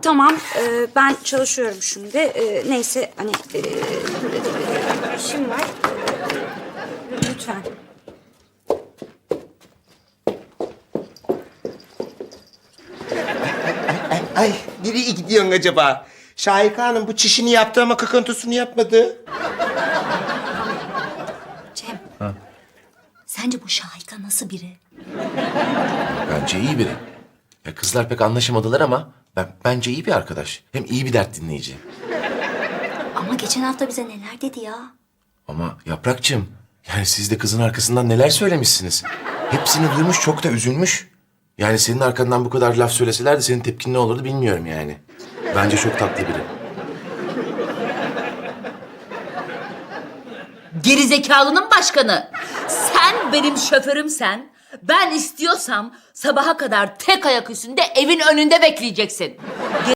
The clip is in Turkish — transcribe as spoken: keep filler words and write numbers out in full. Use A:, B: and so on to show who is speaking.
A: tamam, e, ben çalışıyorum şimdi. E, neyse, hani e, işim var. E, lütfen.
B: Ay, ay, nereye gidiyorsun acaba? Şahika Hanım bu çişini yaptı ama kakıntısını yapmadı.
A: Cem, sence bu Şahika nasıl biri?
C: Bence iyi biri. Ya kızlar pek anlaşamadılar ama ben bence iyi bir arkadaş. Hem iyi bir dert dinleyici.
A: Ama geçen hafta bize neler dedi ya?
C: Ama Yaprakçığım, yani siz de kızın arkasından neler söylemişsiniz. Hepsini duymuş, çok da üzülmüş. Yani senin arkandan bu kadar laf söyleseler de senin tepkin ne olurdu bilmiyorum yani. Bence çok tatlı biri.
D: Gerizekalının başkanı. Sen benim şoförümsen, ben istiyorsam sabaha kadar tek ayak üstünde evin önünde bekleyeceksin.